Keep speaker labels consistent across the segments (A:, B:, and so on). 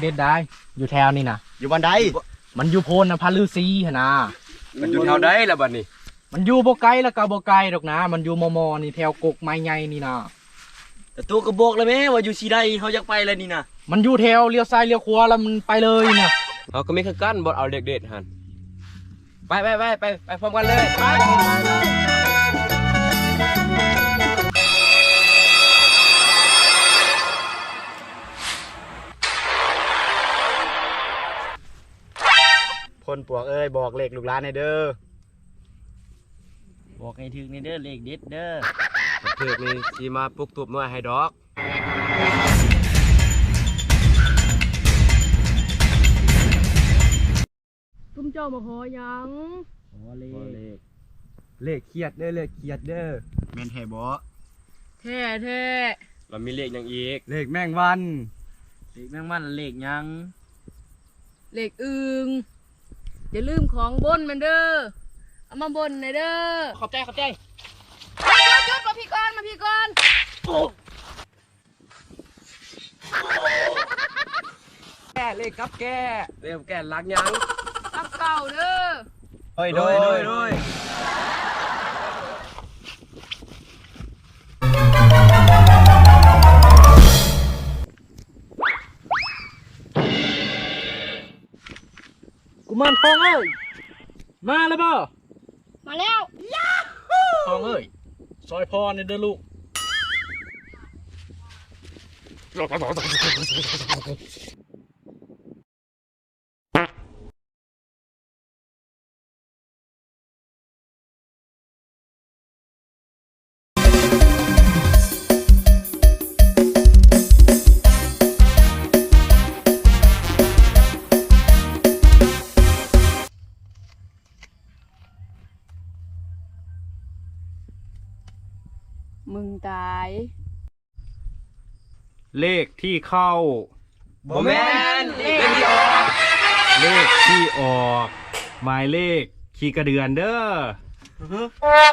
A: เด็ดได้อยู่แถวนี่นะ
B: อยู่บันได
A: มันอยู่โพนนะพระฤาษีหนนะ
C: มันอยู่แถวใดล่ะบัดนี้
A: มันอยู่บ่ไกลแล้วก็บ่ไกลดอกนะ มันอยู่มอนี่แถวกกไม้ใหญ่นี่นะ
B: แต่ตัวกระบอกเลยแม่ว่าอยู่สีใดเขาอยากไปเลยนี่นะ
A: มันอยู่แถวเลี้ยวซ้ายเลี้ยวขวาแล้วมันไปเลยนะ
C: เขาก็มีคือกันบ่เอาเด็กๆหั่นไปพร้อมกันเลยไป
B: พลปวกเอ้ยบอกเลขลูกหลานให้เด้อ
D: บอกให้ถึงในเด้อเลขเด็ดเด้อ
C: เถือกนี่สิมาปลุกตุบน้อยให้ดอก
E: ตุ้มเจ้ามาขอหยัง
D: ขอเลข
C: เลขเครียดเด้อเลขเครียดเด้อ
B: แม่นแท้บ่
E: แท้แท้
C: เรามีเลขหยังอีก
B: เลขแมงวัน
D: เลขแมงมันเลขหยัง
E: เลขอึงอย่าลืมของบนมันเด้อเอามาบนหน่อยเด้อ
A: ขอบใจ
E: หยุดมาพี่ก่อนมาพี่ก่อน
C: แก้เลขกับแก้เลขกับแก้รักหยัง
E: รับเก่าเด้อ
B: โดย
A: กุมารทองเอ้ยมาแล้วบ่
E: มาแล้ว
A: ทองเอ้ยซอยพอนี่เด้อลูก
E: มึงตาย
A: เลขที่เข้า
C: บ่แม่นเลขที่ออก
A: เลขที่ออกหมายเลขขี้กระเดือนเด้อ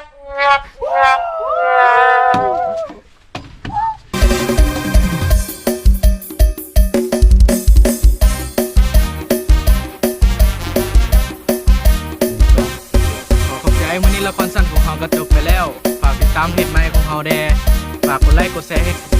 A: ขอขอบใจวันนี้ละครสั้นของเราก็จบไปแล้ว ฝากติดตามเพจใหม่ของเราแดฝากกดไลค์กดแชร์ให้